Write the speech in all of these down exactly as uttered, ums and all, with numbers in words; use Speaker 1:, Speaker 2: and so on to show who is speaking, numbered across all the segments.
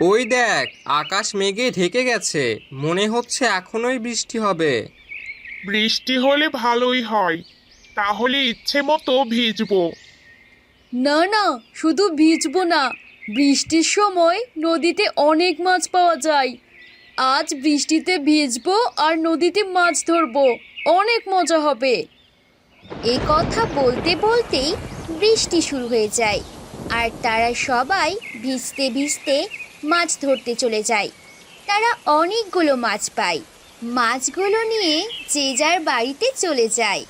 Speaker 1: ওই দেখ, আকাশ মেঘে ঢেকে গেছে, মনে হচ্ছে এখনোই বৃষ্টি হবে।
Speaker 2: বৃষ্টি হলে ভালোই হয়, তাহলে ইচ্ছে মতো ভিজবো।
Speaker 3: না না, শুধু ভিজবো না, বৃষ্টির সময় নদীতে অনেক মাছ পাওয়া যায়। আজ বৃষ্টিতে ভিজবো আর নদীতে মাছ ধরবো, অনেক মজা হবে।
Speaker 4: এই কথা বলতে বলতেই বৃষ্টি শুরু হয়ে যায় আর তারা সবাই ভিজতে ভিজতে মাছ ধরতে চলে যায়। তারা অনেকগুলো মাছ পায়। মাছগুলো নিয়ে যে যার বাড়িতে চলে যায়।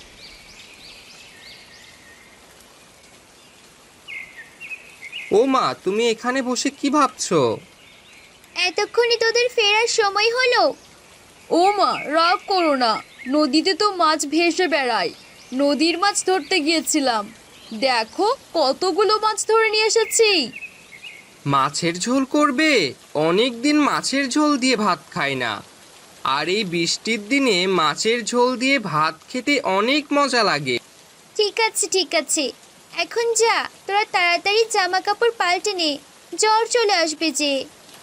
Speaker 1: ও মা, তুমি এখানে বসে কি ভাবছো?
Speaker 4: এতক্ষণে তোদের ফেরার সময় হলো।
Speaker 3: ও মা, রাগ করো না, নদীতে তো মাছ ভেসে বেড়ায়, নদীর মাছ ধরতে গিয়েছিলাম। দেখো কতগুলো মাছ ধরে নিয়ে এসেছি।
Speaker 1: মাছের ঝোল করবে? অনেক দিন মাছের ঝোল দিয়ে ভাত খাই না। আর এই বৃষ্টির দিনে মাছের ঝোল দিয়ে ভাত খেতে অনেক মজা লাগে।
Speaker 4: ঠিক আছে ঠিক আছে, এখন যা, তোরা তাড়াতাড়ি জামা কাপড় পাল্টে নে, জ্বর চলে আসবে যে।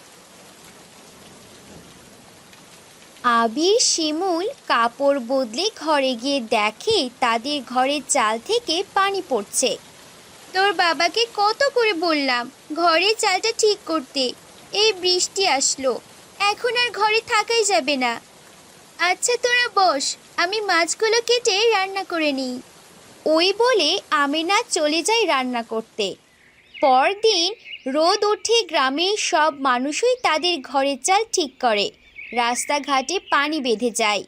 Speaker 4: আবির শিমুল কাপড় বদলে ঘরে গিয়ে দেখে তাদের ঘরের চাল থেকে পানি পড়ছে। তোর বাবাকে কত করে বললাম ঘরের চালটা ঠিক করতে, এই বৃষ্টি আসলো, এখন আর ঘরে থাকাই যাবে না। আচ্ছা তোরা বস, আমি মাছগুলো কেটে রান্না করে নিই। ওই বলে আমিনা চলে যায় রান্না করতে। পরদিন রোদ উঠে গ্রামের সব মানুষই তাদের ঘরের চাল ঠিক করে। রাস্তাঘাটে পানি বেঁধে যায়।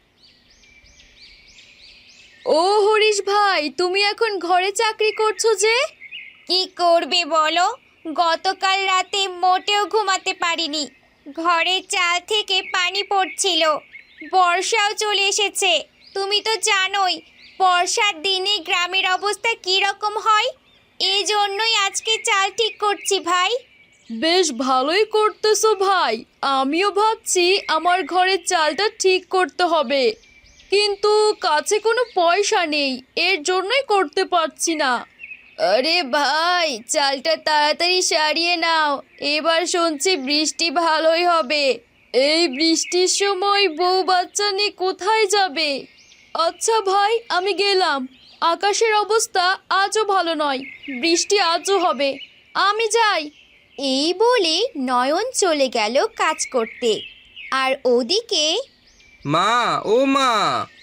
Speaker 3: ও হরিশ ভাই, তুমি এখন ঘরে চাকরি করছো যে?
Speaker 4: কি করবে বলো, গতকাল রাতে মোটেও ঘুমাতে পারিনি, ঘরের চাল থেকে পানি পড়ছিল। বর্ষাও চলে এসেছে, তুমি তো জানোই বর্ষার দিনে গ্রামের অবস্থা কী রকম হয়। এই জন্যই আজকে চাল ঠিক করছি ভাই।
Speaker 3: বেশ ভালোই করতেছো ভাই, আমিও ভাবছি আমার ঘরের চালটা ঠিক করতে হবে, কিন্তু কাছে কোনো পয়সা নেই, এর জন্যই করতে পারছি না। আরে ভাই, চালটা তাড়াতাড়ি সারিয়ে নাও, এবার শুনছি বৃষ্টি ভালোই হবে। এই বৃষ্টির সময় বউ বাচ্চা নিয়ে কোথায় যাবে? আচ্ছা ভাই, আমি গেলাম, আকাশের অবস্থা আজও ভালো নয়, বৃষ্টি আজও হবে, আমি যাই।
Speaker 4: এই বলে নয়ন চলে গেল কাজ করতে। আর ওদিকে
Speaker 1: মা, ও মা,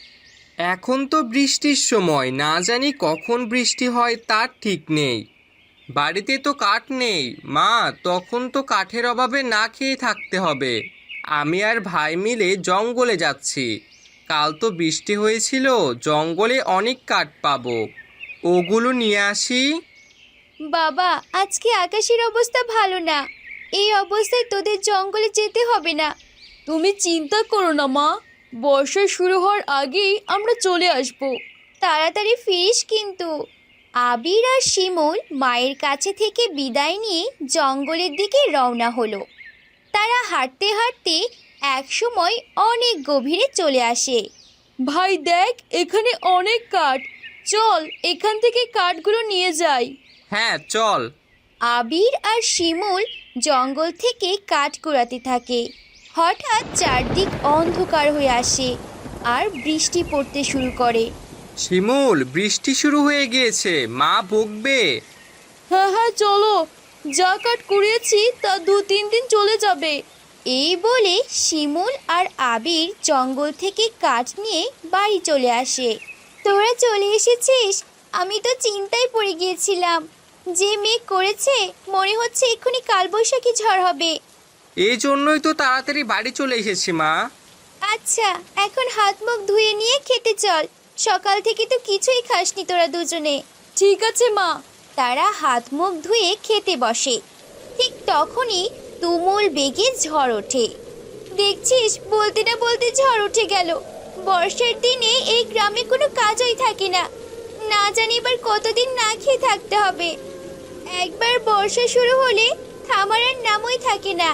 Speaker 1: এখন তো বৃষ্টির সময়, না জানি কখন বৃষ্টি হয় তার ঠিক নেই। বাড়িতে তো কাঠ নেই মা, তখন তো কাঠের অভাবে না খেয়ে থাকতে হবে। আমি আর ভাই মিলে জঙ্গলে যাচ্ছি। কাল তো বৃষ্টি হয়েছিল, জঙ্গলে অনেক কাঠ পাবো, ওগুলো নিয়ে আসি।
Speaker 4: বাবা, আজকে আকাশের অবস্থা ভালো না, এই অবস্থায় তোদের জঙ্গলে যেতে হবে না।
Speaker 3: তুমি চিন্তা করো না মা, বর্ষা শুরু হওয়ার আগেই আমরা চলে আসব।
Speaker 4: তাড়াতাড়ি ফিরিস কিন্তু। আবির আর শিমুল মায়ের কাছে থেকে বিদায় নিয়ে জঙ্গলের দিকে রওনা হলো। তারা হাঁটতে হাঁটতে একসময় অনেক গভীরে চলে আসে।
Speaker 3: ভাই দেখ, এখানে অনেক কাঠ, চল এখান থেকে কাঠগুলো নিয়ে যাই।
Speaker 1: হ্যাঁ চল।
Speaker 4: আবির আর শিমুল জঙ্গল থেকে কাঠ কুড়াতে থাকে। হঠাৎ চারদিক অন্ধকার হয়ে আসে আর বৃষ্টি পড়তে শুরু করে।
Speaker 1: শিমুল, বৃষ্টি শুরু হয়ে গিয়েছে, মা বকবে।
Speaker 3: হ্যাঁ হ্যাঁ চলো, যা কাঠ কুড়িয়েছি তা দু তিন দিন চলে যাবে।
Speaker 4: এই বলে শিমুল আর আবির জঙ্গল থেকে কাঠ নিয়ে বাড়ি চলে আসে। তোরা চলে এসেছিস, আমি তো চিন্তায় পড়ে গিয়েছিলাম, যে মেঘ করেছে মনে হচ্ছে এক্ষুনি কালবৈশাখী ঝড় হবে।
Speaker 1: এই জন্যই তো তাড়াতাড়ি বাড়ি চলে এসেছি মা।
Speaker 4: আচ্ছা, এখন হাত মুখ ধুয়ে নিয়ে খেতে চল, সকাল থেকে তো কিছুই খাসনি তোরা দুজনে।
Speaker 3: ঠিক আছে মা।
Speaker 4: তারা হাত মুখ ধুয়ে খেতে বসে। ঠিক তখনই তুমুল বেগে ঝড় ওঠে। দেখছিস, বলতে না বলতে ঝড় উঠে গেল। বর্ষার দিনে এই গ্রামে কোনো কাজই থাকে না, না জানি এবার কতদিন না খেয়ে থাকতে হবে। একবার বর্ষা শুরু হলে থামার আর নামই থাকে না।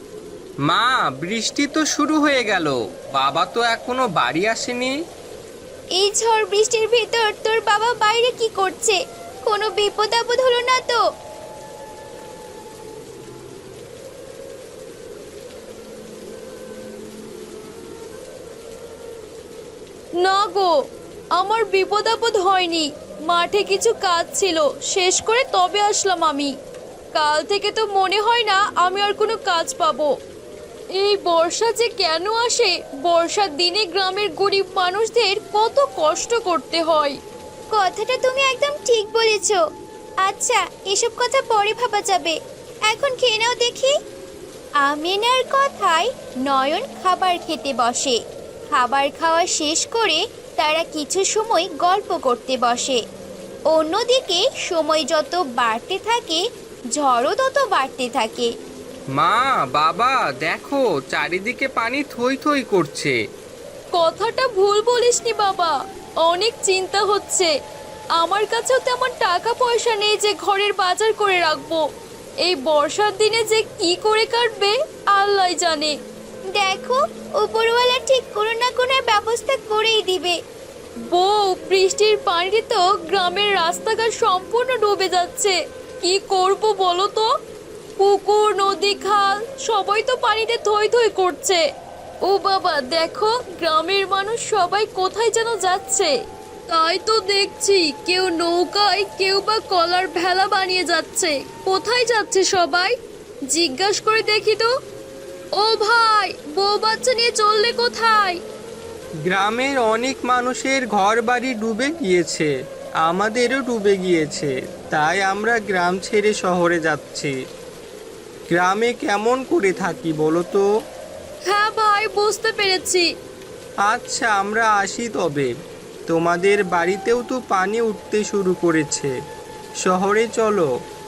Speaker 1: মা, বৃষ্টি তো শুরু হয়ে গেল, বাবা তো এখনো বাড়ি আসেনি।
Speaker 4: এই ঝড় বৃষ্টির ভেতর তোর বাবা বাইরে কি করছে? কোনো বিপদ আপদ হলো না তো?
Speaker 3: না গো, আমার বিপদ আপদ হয়নি। মাঠে কিছু কাজ ছিল, শেষ করে তবে আসলাম আমি। কাল থেকে তো মনে হয় না আমি আর কোনো কাজ পাবো। এই বর্ষা যে কেন আসে? বর্ষার দিনে গ্রামের গরিব মানুষদের কত কষ্ট করতে হয়।
Speaker 4: কথাটা তুমি একদম ঠিক বলেছ। আচ্ছা, এসব কথা পরে ভাবা যাবে, এখন খেয়ে নাও দেখি। আমিনার কথায় নয়ন খাবার খেতে বসে। খাবার খাওয়া শেষ করে তারা কিছু সময় গল্প করতে বসে। অন্যদিকে সময় যত বাড়তে থাকে, ঝড়ও তত বাড়তে থাকে।
Speaker 1: মা, বাবা, দেখো চারিদিকে পানি থই থই করছে।
Speaker 3: কথাটা ভুল বলিসনি বাবা, অনেক চিন্তা হচ্ছে। আমার কাছেও তেমন টাকা পয়সা নেই যে ঘরের বাজার করে রাখবো। এই বর্ষার দিনে যে কি করে কাটবে আল্লাহই জানে।
Speaker 4: দেখো, উপরওয়ালা ঠিক কোনো না কোনো ব্যবস্থা করেই দিবে।
Speaker 3: বউ, বৃষ্টির পানিতে তো গ্রামের রাস্তাঘাট সম্পূর্ণ ডুবে যাচ্ছে। কি করব বলো তো? পুকুর, নদী, খাল সবাই তো পানিতে থই থই করছে। ও বাবা, দেখো গ্রামের মানুষ সবাই কোথায় যেন যাচ্ছে। তাই তো দেখছি, কেউ নৌকায়, কেউ বা কলার ভেলা বানিয়ে যাচ্ছে। কোথায় যাচ্ছে সবাই? জিজ্ঞাস করে দেখি তো। ও ভাই, বউ বাচ্চা নিয়ে চললে কোথায়?
Speaker 1: গ্রামের অনেক মানুষের ঘর বাড়ি ডুবে গিয়েছে, আমাদেরও ডুবে গিয়েছে। তাই আমরা গ্রাম ছেড়ে শহরে যাচ্ছি। গ্রামে কেমন করে থাকি বলো তো?
Speaker 3: হ্যাঁ ভাই, বুঝতে পেরেছি।
Speaker 1: আচ্ছা, আমরা আসি তবে। তোমাদের বাড়িতেও তো পানি উঠতে শুরু করেছে, শহরে চলো।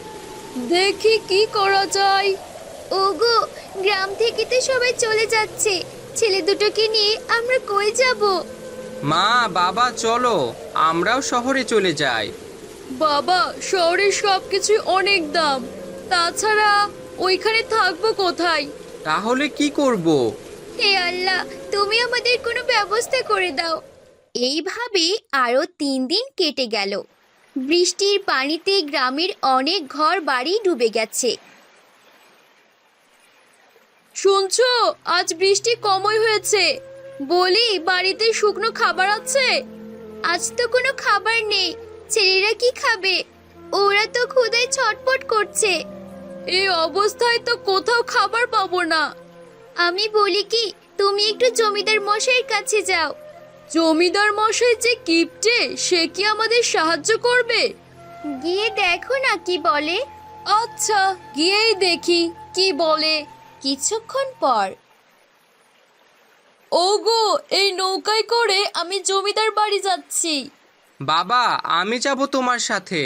Speaker 3: দেখি কি করা যায়।
Speaker 4: ওগো, গ্রাম থেকে তো সবাই চলে যাচ্ছে, ছেলে দুটোকে নিয়ে আমরা কই যাব?
Speaker 1: মা, বাবা, চলো আমরাও শহরে চলে যাই।
Speaker 3: বাবা, শহরের সবকিছু অনেক দাম। তাছাড়া ওইখানে থাকবো কোথায়?
Speaker 1: তাহলে কি করব?
Speaker 4: হে আল্লাহ, তুমি আমাদের কোনো ব্যবস্থা করে দাও। এইভাবে আরো তিন দিন কেটে গেল। বৃষ্টির পানিতে গ্রামের অনেক ঘর বাড়ি ডুবে গেছে।
Speaker 3: শুনছো, আজ বৃষ্টি কমই হয়েছে। বলি, বাড়িতে শুকনো খাবার আছে?
Speaker 4: আজ তো কোনো খাবার নেই, ছেলেরা কি খাবে? ওরা তো ক্ষুধায় ছটফট করছে।
Speaker 3: এই অবস্থায় তো কোথাও খাবার পাবো না।
Speaker 4: আমি বলি কি, তুমি একটু জমিদার মশাইয়ের কাছে যাও।
Speaker 3: জমিদার মশাই যে কিপটে, সে কি আমাদের সাহায্য করবে?
Speaker 4: গিয়ে দেখো না কি বলে।
Speaker 3: আচ্ছা, গিয়েই দেখি কি বলে।
Speaker 4: কিছুক্ষণ পর
Speaker 3: ওগো, এই নৌকায় করে আমি জমিদার বাড়ি যাচ্ছি।
Speaker 1: বাবা, আমি যাব তোমার সাথে।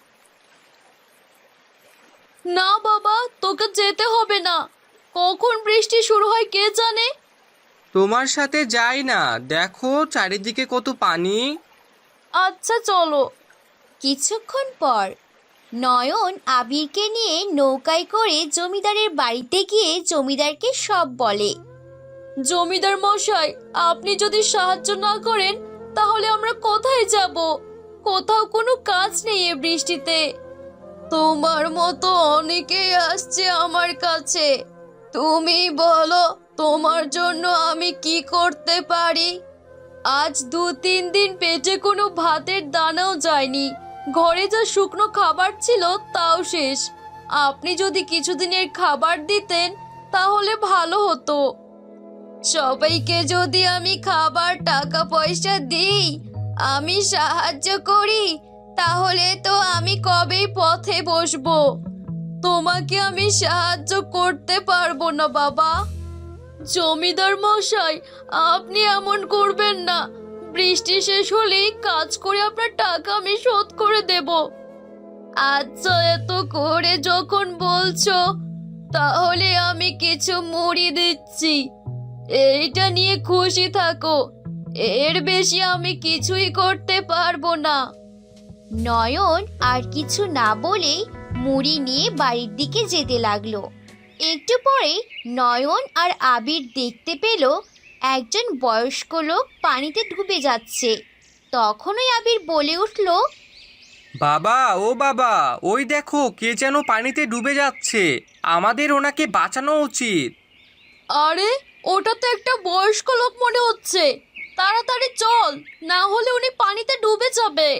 Speaker 3: না বাবা, তোকে যেতে হবে না। কখন বৃষ্টি শুরু হয় কে জানে।
Speaker 1: তোমার সাথে যাই না, দেখো চারিদিকে কত পানি।
Speaker 3: আচ্ছা চলো।
Speaker 4: কিছুক্ষণ পর নয়ন আবিরকে নিয়ে নৌকায় করে জমিদারের বাড়িতে গিয়ে জমিদারকে সব বলে।
Speaker 3: জমিদার মশাই, আপনি যদি সাহায্য না করেন তাহলে আমরা কোথায় যাব? কোথাও কোনো কাজ নেই এ বৃষ্টিতে। তোমার মতো অনেকেই আসছে আমার কাছে। তুমি বলো, তোমার জন্য আমি কি করতে পারি? আজ দু তিন দিন পেটে কোনো ভাতের দানাও যায়নি। ঘরে যা শুকনো খাবার ছিল তাও শেষ। আপনি যদি কিছুদিনের খাবার দিতেন তাহলে ভালো হতো। সবাইকে যদি আমি খাবার, টাকা পয়সা দিই, আমি সাহায্য করি, তাহলে তো আমি কবেই পথে বসবো। তোমাকে আমি সাহায্য করতে পারবো না বাবা। জমিদার মশাই, আপনি এমন করবেন না। বৃষ্টি শেষ হলেই কাজ করে আপনার টাকা আমি শোধ করে দেব। আচ্ছা, এত করে যখন বলছো, তাহলে আমি কিছু মুড়ি দিচ্ছি। এইটা নিয়ে খুশি থাকো। এর বেশি আমি কিছুই করতে পারবো না।
Speaker 4: নয়ন আর কিছু না বলে মুড়ি নিয়ে বাড়ির দিকে যেতে লাগলো। একটু পরে নয়ন আর আবির দেখতে পেল একজন বয়স্ক লোক পানিতে ডুবে যাচ্ছে। তখনই আবির বলে উঠল,
Speaker 1: বাবা, ও বাবা, ওই দেখো কে যেন পানিতে ডুবে যাচ্ছে, আমাদের ওনাকে বাঁচানো উচিত।
Speaker 3: আরে, ওটা তো একটা বয়স্ক লোক মনে হচ্ছে। তাড়াতাড়ি চল, না হলে উনি পানিতে ডুবে যাবে।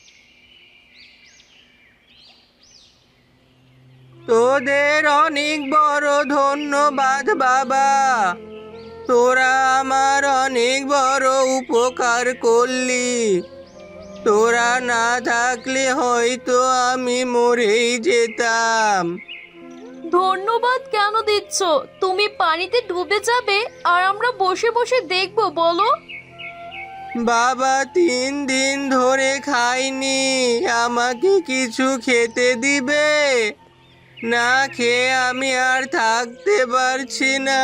Speaker 1: তোদের অনেক বড় ধন্যবাদ বাবা, তোরা আমার অনেক বড় উপকার করলি। তোরা না থাকলে হয়তো আমি মরেই যেতাম।
Speaker 3: ধন্যবাদ কেন দিচ্ছ? তুমি পানিতে ডুবে যাবে আর আমরা বসে বসে দেখবো বলো?
Speaker 1: বাবা তিন দিন ধরে খাইনি, আমাকে কিছু খেতে দিবে? না খেয়ে আমি আর থাকতে পারছি না।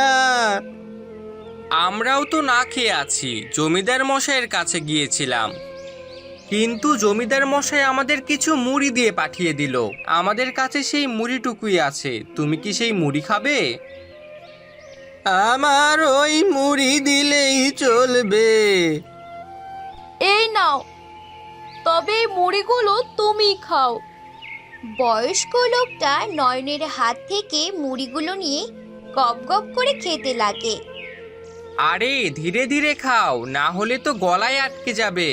Speaker 1: আমরাও তো না খেয়ে আছি, জমিদার মশাইয়ের কাছে গিয়েছিলাম, কিন্তু জমিদার মশাই আমাদের কিছু মুড়ি দিয়ে পাঠিয়ে দিল। আমাদের কাছে সেই মুড়িটুকুই আছে, তুমি কি সেই মুড়ি খাবে? আমার ওই মুড়ি দিলেই চলবে।
Speaker 3: এই নাও, তবে এই মুড়িগুলো তুমি খাও।
Speaker 4: বয়স্ক লোকটা নয়নের হাত থেকে মুড়িগুলো নিয়ে গপ গপ করে খেতে লাগে।
Speaker 1: আরে ধীরে ধীরে খাও, না হলে তো গলায় আটকে যাবে।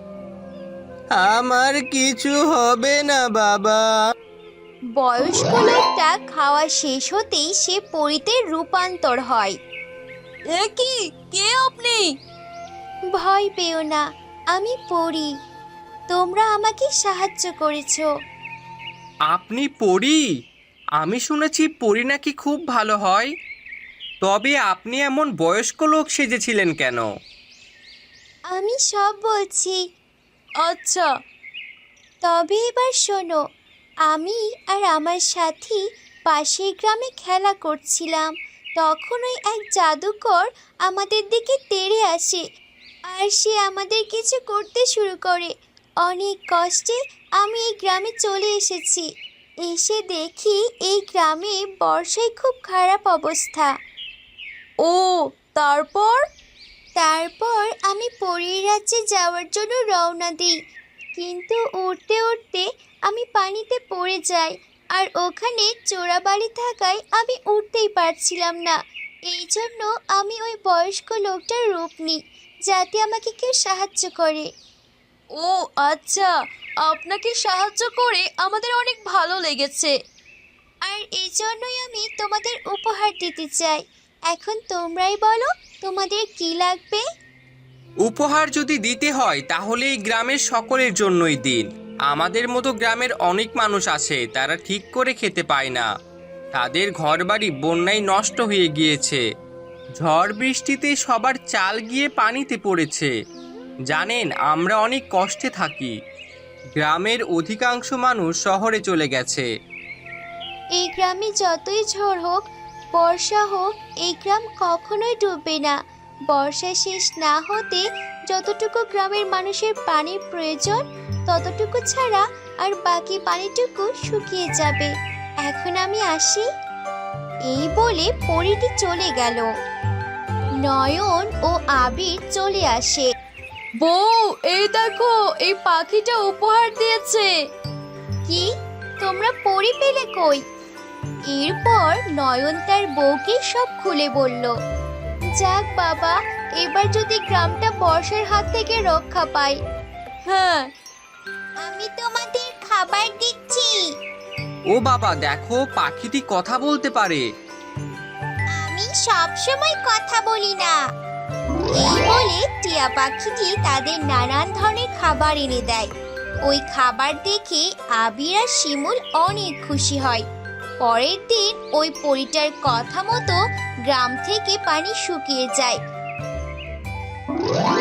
Speaker 1: আমার কিছু হবে না বাবা।
Speaker 4: বয়স্ক লোকটা খাওয়া শেষ হতেই সে পরীতে রূপান্তর হয়।
Speaker 3: এ কি, কে আপনি?
Speaker 4: ভয় পেও না, আমি পড়ি। তোমরা আমাকে সাহায্য করেছো।
Speaker 1: আপনি পরী? আমি শুনেছি পরী নাকি খুব ভালো হয়। তবে আপনি এমন বয়স্ক লোক সেজেছিলেন কেন?
Speaker 4: আমি সব বলছি।
Speaker 3: আচ্ছা,
Speaker 4: তবে এবার শোনো, আমি আর আমার সাথী পাশের গ্রামে খেলা করছিলাম। তখন ওই এক জাদুকর আমাদের দিকে তেড়ে আসে আর সে আমাদের কিছু করতে শুরু করে। অনেক কষ্টে আমি এই গ্রামে চলে এসেছি। এসে দেখি এই গ্রামে বর্ষায় খুব খারাপ অবস্থা।
Speaker 3: ও তারপর?
Speaker 4: তারপর আমি পরীর রাজ্যে যাওয়ার জন্য রওনা দিই, কিন্তু উঠতে উঠতে আমি পানিতে পড়ে যাই আর ওখানে চোরাবালি থাকায় আমি উঠতেই পারছিলাম না। এই জন্য আমি ওই বয়স্ক লোকটার রূপ নিই, যাতে আমাকে কেউ সাহায্য করে।
Speaker 3: ও আচ্ছা, আপনাকে সাহায্য করে আমাদের অনেক ভালো লেগেছে।
Speaker 4: আর এই জন্যই আমি তোমাদের উপহার দিতে চাই। এখন তোমরাই বলো তোমাদের কি লাগবে।
Speaker 1: উপহার যদি দিতে হয় তাহলে এই গ্রামের সকলের জন্যই দিন। আমাদের মতো গ্রামের অনেক মানুষ আছে, তারা ঠিক করে খেতে পায় না। তাদের ঘরবাড়ি বন্যায় নষ্ট হয়ে গিয়েছে। ঝড় বৃষ্টিতে সবার চাল গিয়ে পানিতে পড়েছে। জানেন, আমরা অনেক কষ্টে থাকি। গ্রামের অধিকাংশ মানুষ শহরে চলে গেছে।
Speaker 4: এই গ্রামে যতই ঝড় হোক, বর্ষা হোক, এই গ্রাম কখনোই ডুববে না। বর্ষা শেষ না হতে যতটুকু গ্রামের মানুষের পানির প্রয়োজন, ততটুকু ছাড়া আর বাকি পানিটুকু শুকিয়ে যাবে। এখন আমি আসি। এই বলে পরীটি চলে গেল। নয়ন ও আবির চলে আসে।
Speaker 3: বউ, এই দেখো, এই পাখিটা উপহার দিয়েছে।
Speaker 4: কি, তোমরা পরী পেলে কই? এরপর নয়ন তার বউকে সব খুলে বলল। যাক বাবা, এবার যদি গ্রামটা বর্ষার হাত থেকে রক্ষা পায়।
Speaker 3: হ্যাঁ,
Speaker 4: আমি তোমাদের খাবার দিচ্ছি।
Speaker 1: ও বাবা, দেখো পাখিটি কথা বলতে পারে।
Speaker 4: আমি সব সময় কথা বলি না। এই বলে টিয়া পাখিটি তাদের নানান ধরনের খাবার এনে দেয়। ওই খাবার দেখে আবির আর শিমুল অনেক খুশি হয়। পরের দিন ওই পরীটার কথা মতো গ্রাম থেকে পানি শুকিয়ে যায়।